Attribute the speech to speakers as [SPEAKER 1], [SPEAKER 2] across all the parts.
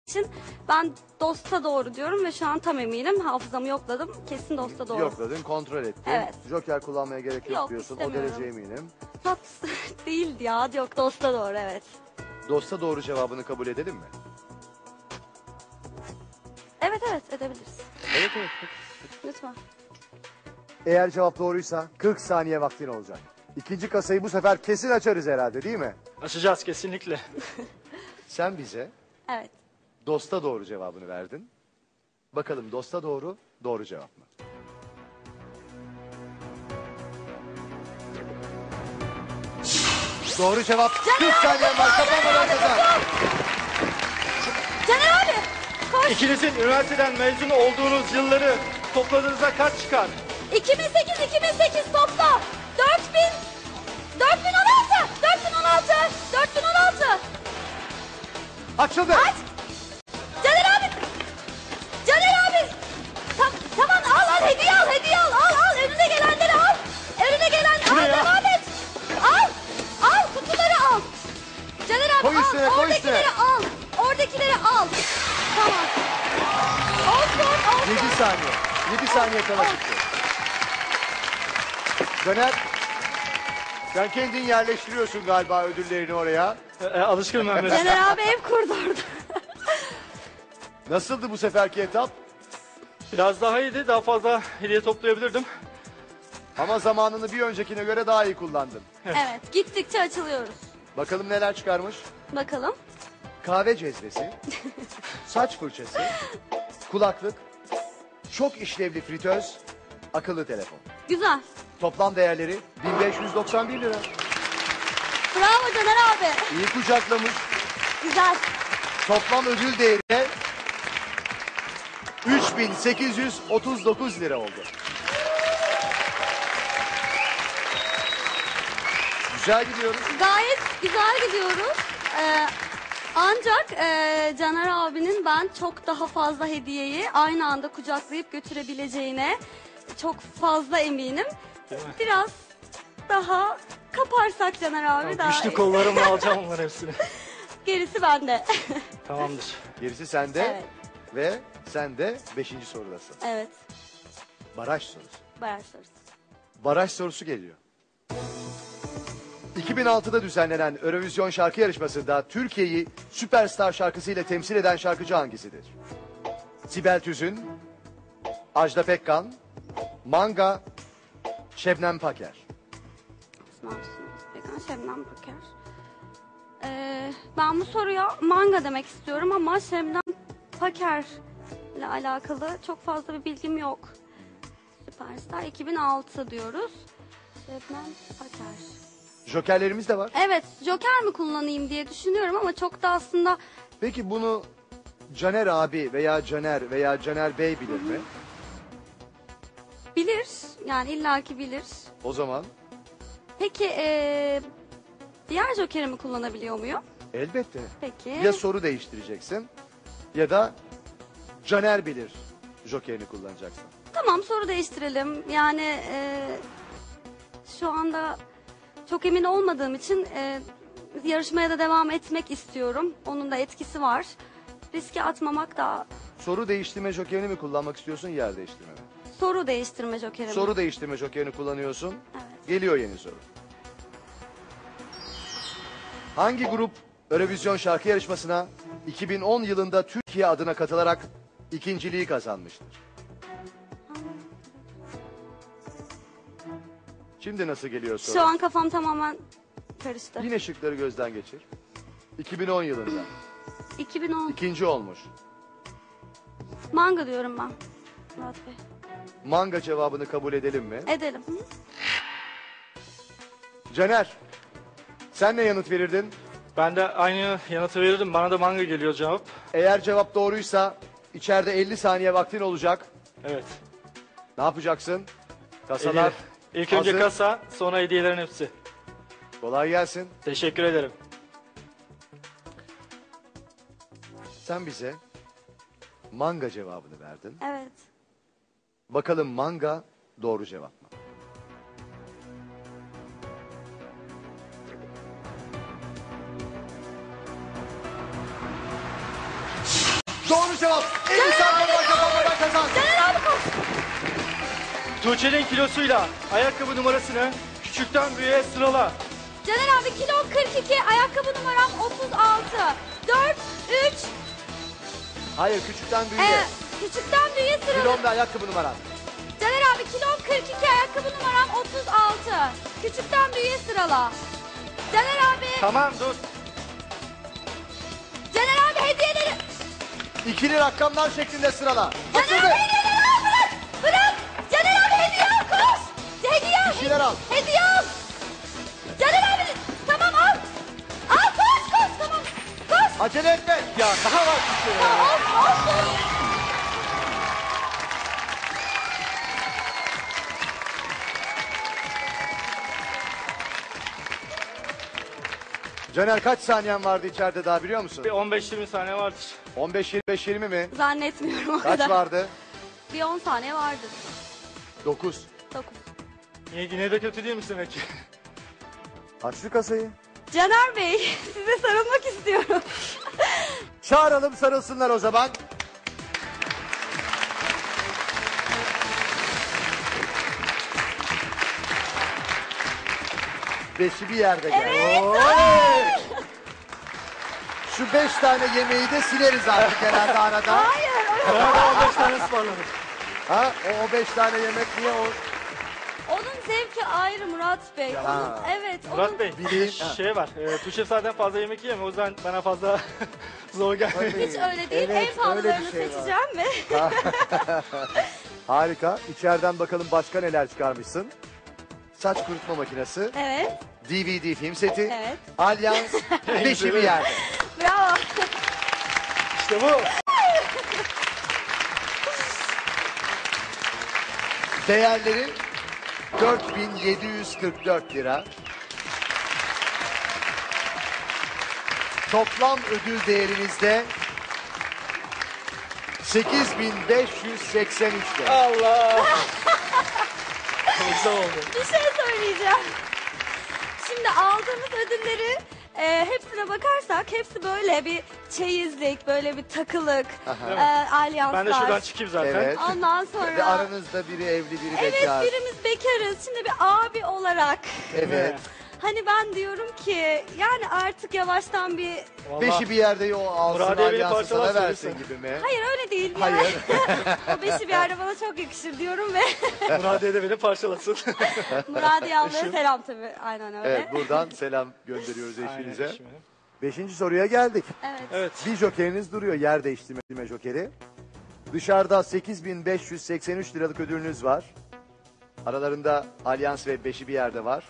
[SPEAKER 1] için ben dosta doğru diyorum ve şu an tam eminim. Hafızamı yokladım. Kesin dosta doğru.
[SPEAKER 2] Yokladın, kontrol ettin.
[SPEAKER 1] Evet.
[SPEAKER 2] Joker kullanmaya gerek yok
[SPEAKER 1] Yok,
[SPEAKER 2] diyorsun. O
[SPEAKER 1] istemiyorum.
[SPEAKER 2] derece eminim.
[SPEAKER 1] Tat değildi ya. Yok, dosta doğru, evet.
[SPEAKER 2] Dosta doğru cevabını kabul edelim mi?
[SPEAKER 1] Evet edebiliriz.
[SPEAKER 2] Evet evet.
[SPEAKER 1] Lütfen.
[SPEAKER 2] Eğer cevap doğruysa 40 saniye vaktin olacak. İkinci kasayı bu sefer kesin açarız herhalde, değil mi?
[SPEAKER 3] Açacağız kesinlikle.
[SPEAKER 2] Sen bize
[SPEAKER 1] Evet.
[SPEAKER 2] dosta doğru cevabını verdin. Bakalım dosta doğru, doğru cevap mı? Doğru cevap. 40 saniye var. Kapanmadan kazan.
[SPEAKER 1] Caner abi! Koş!
[SPEAKER 3] İkinizin üniversiteden mezun olduğunuz yılları topladığınızda kaç çıkar?
[SPEAKER 1] 2008 topla! 4016!
[SPEAKER 2] Açıldı.
[SPEAKER 1] Aç! Caner abi! Tamam al hediye al! Önüne gelenleri al!
[SPEAKER 3] Bu ne
[SPEAKER 1] Al,
[SPEAKER 3] ya?
[SPEAKER 1] devam et! Al! Kutuları al! Caner abi
[SPEAKER 2] Koy üstüne, koy
[SPEAKER 1] oradakileri
[SPEAKER 2] üstüne.
[SPEAKER 1] al! Oradakileri al! Tamam. Olsun.
[SPEAKER 2] 7 saniye. 7 saniye kala çıktı. Döner. Sen kendin yerleştiriyorsun galiba ödüllerini oraya.
[SPEAKER 3] Alışkınım ben biraz.
[SPEAKER 1] Caner abi ev kurdu orada.
[SPEAKER 2] Nasıldı bu seferki etap?
[SPEAKER 3] Biraz daha iyiydi. Daha fazla hediye toplayabilirdim.
[SPEAKER 2] Ama zamanını bir öncekine göre daha iyi kullandın.
[SPEAKER 1] Evet, gittikçe açılıyoruz.
[SPEAKER 2] Bakalım neler çıkarmış.
[SPEAKER 1] Bakalım.
[SPEAKER 2] Kahve cezvesi, saç fırçası, kulaklık, çok işlevli fritöz, akıllı telefon.
[SPEAKER 1] Güzel.
[SPEAKER 2] Toplam değerleri 1591 lira.
[SPEAKER 1] Bravo Caner abi.
[SPEAKER 2] İyi kucaklamış.
[SPEAKER 1] Güzel.
[SPEAKER 2] Toplam ödül değeri de 3839 lira oldu. Güzel gidiyoruz.
[SPEAKER 1] Gayet güzel gidiyoruz. Ancak Caner abinin ben çok daha fazla hediyeyi aynı anda kucaklayıp götürebileceğine çok fazla eminim. Biraz daha kaparsak Caner abi daha
[SPEAKER 3] Güçlü
[SPEAKER 1] iyi.
[SPEAKER 3] kollarımla alacağım onların hepsini.
[SPEAKER 1] Gerisi bende.
[SPEAKER 3] Tamamdır.
[SPEAKER 2] Gerisi sende
[SPEAKER 1] Evet.
[SPEAKER 2] ve sen de 5. sorudasın.
[SPEAKER 1] Evet.
[SPEAKER 2] Baraj sorusu.
[SPEAKER 1] Bayağı sorusu.
[SPEAKER 2] Baraj sorusu geliyor. 2006'da düzenlenen Eurovision şarkı yarışmasında Türkiye'yi Süperstar şarkısıyla temsil eden şarkıcı hangisidir? Sibel Tüzün, Ajda Pekkan, Manga, Şebnem Paker.
[SPEAKER 1] Pekkan, Şebnem Paker. Ben bu soruya manga demek istiyorum ama Şebnem Paker ile alakalı çok fazla bir bilgim yok. Süperstar 2006 diyoruz. Şebnem Paker.
[SPEAKER 2] Jokerlerimiz de var.
[SPEAKER 1] Evet, Joker mi kullanayım diye düşünüyorum ama çok da aslında
[SPEAKER 2] Peki bunu Caner abi veya Caner Bey bilir mi?
[SPEAKER 1] bilir. Yani illaki bilir.
[SPEAKER 2] O zaman
[SPEAKER 1] Peki diğer Joker'imi kullanabiliyor muyum?
[SPEAKER 2] elbette.
[SPEAKER 1] Peki.
[SPEAKER 2] Ya soru değiştireceksin ya da Caner bilir Joker'ini kullanacaksın.
[SPEAKER 1] Tamam, soru değiştirelim. Yani şu anda çok emin olmadığım için yarışmaya da devam etmek istiyorum. Onun da etkisi var. Riske atmamak da
[SPEAKER 2] Soru değiştirme Joker'ini mi kullanmak istiyorsun, yer değiştirme mi?
[SPEAKER 1] soru değiştirme jokerim.
[SPEAKER 2] Soru değiştirme Joker'ini kullanıyorsun.
[SPEAKER 1] Evet.
[SPEAKER 2] Geliyor yeni soru. Hangi grup Eurovision şarkı yarışmasına 2010 yılında Türkiye adına katılarak ikinciliği kazanmıştır? Şimdi nasıl geliyor soru?
[SPEAKER 1] Şu an kafam tamamen karıştı.
[SPEAKER 2] Yine şıkları gözden geçir. 2010 yılında
[SPEAKER 1] 2010.
[SPEAKER 2] ikinci olmuş.
[SPEAKER 1] Manga diyorum ben. Murat Bey.
[SPEAKER 2] Manga cevabını kabul edelim mi?
[SPEAKER 1] Edelim. Hı?
[SPEAKER 2] Caner, sen ne yanıt verirdin?
[SPEAKER 3] Ben de aynı yanıtı verirdim. Bana da manga geliyor cevap.
[SPEAKER 2] Eğer cevap doğruysa içeride 50 saniye vaktin olacak.
[SPEAKER 3] Evet.
[SPEAKER 2] Ne yapacaksın? Kasalar
[SPEAKER 3] Hediye. İlk önce
[SPEAKER 2] hazır.
[SPEAKER 3] kasa, sonra hediyelerin hepsi.
[SPEAKER 2] Kolay gelsin.
[SPEAKER 3] Teşekkür ederim.
[SPEAKER 2] Sen bize manga cevabını verdin.
[SPEAKER 1] Evet.
[SPEAKER 2] Bakalım manga doğru cevap mı? Doğru cevap. 50 saniye kazanmadan kazan.
[SPEAKER 1] Caner abi koş.
[SPEAKER 3] Tuğçe'nin kilosuyla ayakkabı numarasını küçükten büyüğe sırala.
[SPEAKER 1] Caner abi kilo 42, ayakkabı numaram 36. 4, 3,
[SPEAKER 2] Hayır, küçükten büyüğe.
[SPEAKER 1] küçükten büyüğe sırala.
[SPEAKER 2] Kilom ve ayakkabı numaran.
[SPEAKER 1] Caner abi kilo 42, ayakkabı numaram 36. Küçükten büyüğe sırala. Caner abi,
[SPEAKER 3] Tamam dur.
[SPEAKER 1] Caner abi hediyeleri.
[SPEAKER 2] İkili rakamlar şeklinde sırala.
[SPEAKER 1] Caner
[SPEAKER 2] Açıldı.
[SPEAKER 1] abi hediyeleri al, bırak. Bırak. Caner abi hediye al, koş. Hediye al.
[SPEAKER 2] Bir şeyler al.
[SPEAKER 1] Hediye al. Caner abi tamam al. Al koş koş tamam. Koş.
[SPEAKER 2] Acele etme.
[SPEAKER 3] Ya daha var bir şey.
[SPEAKER 1] Of of.
[SPEAKER 2] Caner, kaç saniyen vardı içeride daha biliyor musun?
[SPEAKER 3] Bir 15-20 saniye vardır.
[SPEAKER 2] 15-25-20 mi?
[SPEAKER 1] Zannetmiyorum o
[SPEAKER 2] Kaç
[SPEAKER 1] kadar.
[SPEAKER 2] vardı?
[SPEAKER 1] Bir 10 saniye vardır.
[SPEAKER 2] 9.
[SPEAKER 1] 9.
[SPEAKER 3] Yine de kötü değil misin demek ki?
[SPEAKER 2] Aç şu kasayı.
[SPEAKER 1] Caner Bey, size sarılmak istiyorum.
[SPEAKER 2] Çağıralım, sarılsınlar o zaman. Beşi bir yerde gel.
[SPEAKER 1] Evet.
[SPEAKER 2] Şu 5 tane yemeği de sileriz artık herhalde arada.
[SPEAKER 1] Hayır.
[SPEAKER 3] Bana 15 tane ısmarladık.
[SPEAKER 2] Ha? O 5 tane yemek niye o?
[SPEAKER 1] Onun zevki ayrı Murat Bey.
[SPEAKER 2] Ya.
[SPEAKER 1] Onun, evet.
[SPEAKER 3] Murat
[SPEAKER 1] onun...
[SPEAKER 3] Bey,
[SPEAKER 2] Bileyim.
[SPEAKER 3] şey var. Tuğçe zaten fazla yemek yiyemiyor. O yüzden bana fazla zor gelmiyor.
[SPEAKER 1] Hiç öyle değil.
[SPEAKER 2] Evet,
[SPEAKER 1] En
[SPEAKER 2] öyle bir
[SPEAKER 1] pahalılarını
[SPEAKER 2] şey var.
[SPEAKER 1] seçeceğim ve...
[SPEAKER 2] Harika. İçeriden bakalım başka neler çıkarmışsın. Saç kurutma makinesi,
[SPEAKER 1] Evet.
[SPEAKER 2] DVD film seti,
[SPEAKER 1] Evet.
[SPEAKER 2] Alyans, beşi bir yerde.
[SPEAKER 1] Bravo.
[SPEAKER 3] İşte bu.
[SPEAKER 2] Değerleri 4.744 lira. Toplam ödül değerinizde 8.583 lira.
[SPEAKER 3] Allah. Güzel oldu.
[SPEAKER 1] Bir şey söyleyeceğim. Şimdi aldığımız ödülleri hepsine bakarsak hepsi böyle bir çeyizlik, böyle bir takılık, alyanslar.
[SPEAKER 3] Ben de şuradan çıkayım zaten.
[SPEAKER 2] Evet.
[SPEAKER 1] Ondan sonra...
[SPEAKER 2] Ve aranızda biri evli, biri
[SPEAKER 1] Evet,
[SPEAKER 2] bekar.
[SPEAKER 1] birimiz bekarız. Şimdi bir abi olarak
[SPEAKER 2] Evet.
[SPEAKER 1] hani ben diyorum ki yani artık yavaştan bir...
[SPEAKER 3] Vallahi
[SPEAKER 2] Beşi bir yerde o alsın,
[SPEAKER 3] Muradiye beni
[SPEAKER 2] alyansı sana
[SPEAKER 3] parçalar
[SPEAKER 2] versin
[SPEAKER 3] söylese.
[SPEAKER 2] gibi mi?
[SPEAKER 1] Hayır öyle değil.
[SPEAKER 2] Hayır.
[SPEAKER 1] Yani. O beşi bir yerde bana çok yakışır diyorum ve
[SPEAKER 3] Muradiye de beni parçalasın.
[SPEAKER 1] Muradiye ablaya
[SPEAKER 3] Eşim.
[SPEAKER 1] selam tabii. Aynen öyle.
[SPEAKER 2] Evet, buradan selam gönderiyoruz
[SPEAKER 3] Aynen,
[SPEAKER 2] eşinize.
[SPEAKER 3] eşime.
[SPEAKER 2] 5. soruya geldik.
[SPEAKER 1] Evet.
[SPEAKER 3] Evet.
[SPEAKER 2] Bir jokeriniz duruyor, yer değiştirme jokeri. Dışarıda 8.583 liralık ödülünüz var. Aralarında Alyans ve beşi bir yerde var.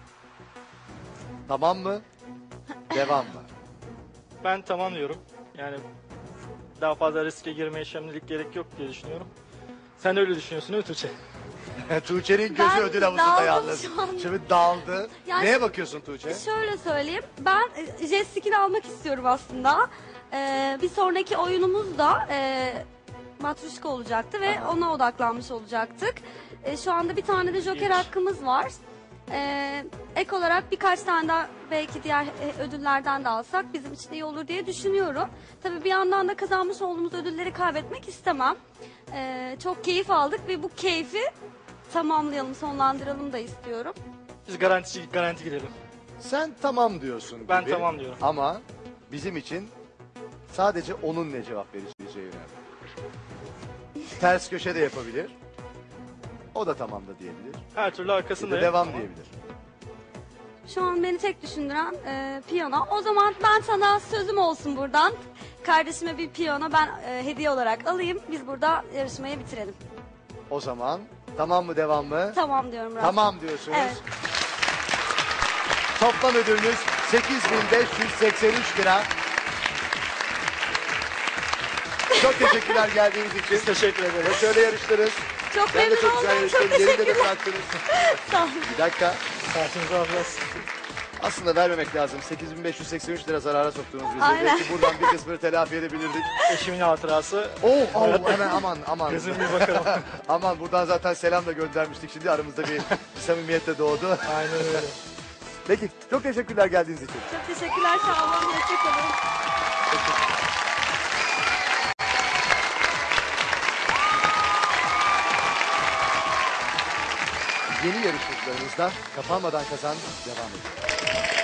[SPEAKER 2] Tamam mı? Devam mı?
[SPEAKER 3] Ben tamam diyorum. Yani daha fazla riske girmeye şimdilik gerek yok diye düşünüyorum. Sen de öyle düşünüyorsun değil mi Tuğçe?
[SPEAKER 2] Tuğçe'nin gözü
[SPEAKER 1] Ben
[SPEAKER 2] ödül havuzunda
[SPEAKER 1] daldım
[SPEAKER 2] yalnız.
[SPEAKER 1] şu an.
[SPEAKER 2] Şimdi daldı.
[SPEAKER 1] Yani-
[SPEAKER 2] Neye bakıyorsun Tuğçe?
[SPEAKER 1] Şöyle söyleyeyim. Ben jet ski'ni almak istiyorum aslında. Bir sonraki oyunumuz da matruşka olacaktı ve ona odaklanmış olacaktık. Şu anda bir tane de joker
[SPEAKER 3] İyi.
[SPEAKER 1] hakkımız var. Ek olarak birkaç tane daha belki diğer ödüllerden de alsak bizim için iyi olur diye düşünüyorum. Tabii bir yandan da kazanmış olduğumuz ödülleri kaybetmek istemem. Çok keyif aldık ve bu keyfi tamamlayalım, sonlandıralım da istiyorum.
[SPEAKER 3] Biz garanti gidelim.
[SPEAKER 2] Sen tamam diyorsun gibi.
[SPEAKER 3] Ben tamam diyorum.
[SPEAKER 2] Ama bizim için sadece onun ne cevap vereceği önemli. Ters köşe de yapabilir. O da tamam da diyebilir.
[SPEAKER 3] Her türlü
[SPEAKER 2] Bir de
[SPEAKER 3] arkasındayım.
[SPEAKER 2] devam
[SPEAKER 3] Ama
[SPEAKER 2] diyebilir.
[SPEAKER 1] Şu an beni tek düşündüren piyano. O zaman ben sana sözüm olsun buradan. Kardeşime bir piyano ben hediye olarak alayım. Biz burada yarışmayı bitirelim.
[SPEAKER 2] O zaman tamam mı, devam mı?
[SPEAKER 1] Tamam diyorum Murat.
[SPEAKER 2] Tamam diyorsunuz.
[SPEAKER 1] Evet.
[SPEAKER 2] Toplam ödülünüz 8.583 lira. Çok teşekkürler geldiğiniz için.
[SPEAKER 3] Biz teşekkür ederiz.
[SPEAKER 2] Ve şöyle yarıştınız.
[SPEAKER 1] Çok
[SPEAKER 2] Ben de
[SPEAKER 1] memnun
[SPEAKER 2] çok güzel
[SPEAKER 1] oldum. Çok
[SPEAKER 2] yarıştım. Yerinde de
[SPEAKER 1] teşekkürler.
[SPEAKER 2] bıraktınız.
[SPEAKER 1] Sağ olun.
[SPEAKER 2] Bir dakika.
[SPEAKER 3] Karşınıza alacağız.
[SPEAKER 2] Aslında vermemek lazım. 8.583 lira zarara soktunuz bizi.
[SPEAKER 1] Aynen.
[SPEAKER 2] Belki buradan bir kısmını telafi edebilirdik.
[SPEAKER 3] Eşimin hatırası.
[SPEAKER 2] Hemen aman.
[SPEAKER 3] Gözüm bir bakalım.
[SPEAKER 2] Aman, buradan zaten selam da göndermiştik. Şimdi aramızda bir samimiyet de doğdu.
[SPEAKER 3] Aynen öyle.
[SPEAKER 2] Peki, çok teşekkürler geldiğiniz için.
[SPEAKER 1] Çok teşekkürler. Sağ olun. Hoşçakalın.
[SPEAKER 2] yeni yarışmacılarımızdan Kapanmadan Kazan devam ediyor.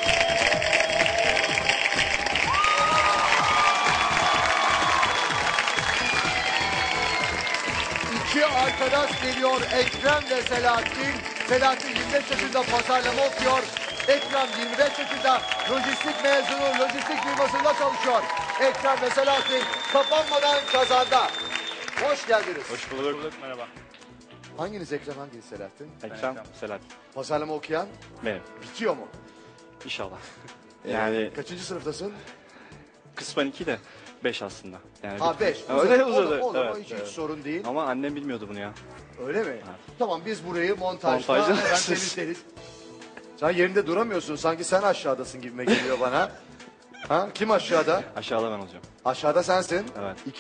[SPEAKER 2] İki arkadaş geliyor, Ekrem ve Selahattin. Selahattin 25 yaşında pazarlama okuyor. Ekrem 25 yaşında lojistik mezunu, lojistik firmasında çalışıyor. Ekrem ve Selahattin Kapanmadan Kazan'da. Hoş geldiniz.
[SPEAKER 4] Hoş bulduk.
[SPEAKER 3] Merhaba.
[SPEAKER 2] Hanginiz Ekrem, hanginiz Selahattin?
[SPEAKER 4] Ekrem, Selahattin.
[SPEAKER 2] Pazarlama okuyan
[SPEAKER 4] Benim.
[SPEAKER 2] bitiyor mu?
[SPEAKER 4] İnşallah. Yani
[SPEAKER 2] Kaçıncı sınıftasın?
[SPEAKER 4] kısmen 2 de 5 aslında. Yani
[SPEAKER 2] Ha 5.
[SPEAKER 4] Öyle uzadı.
[SPEAKER 2] Olur,
[SPEAKER 4] Evet,
[SPEAKER 2] hiç
[SPEAKER 4] evet.
[SPEAKER 2] sorun değil.
[SPEAKER 4] Ama annem bilmiyordu bunu ya.
[SPEAKER 2] Öyle mi? Tamam, biz burayı montajda
[SPEAKER 4] Montajda.
[SPEAKER 2] hemen temizleriz. Sen yerinde duramıyorsun. Sanki sen aşağıdasın gibime geliyor bana. Ha? Kim aşağıda?
[SPEAKER 4] Aşağıda ben olacağım.
[SPEAKER 2] Aşağıda sensin.
[SPEAKER 4] Evet.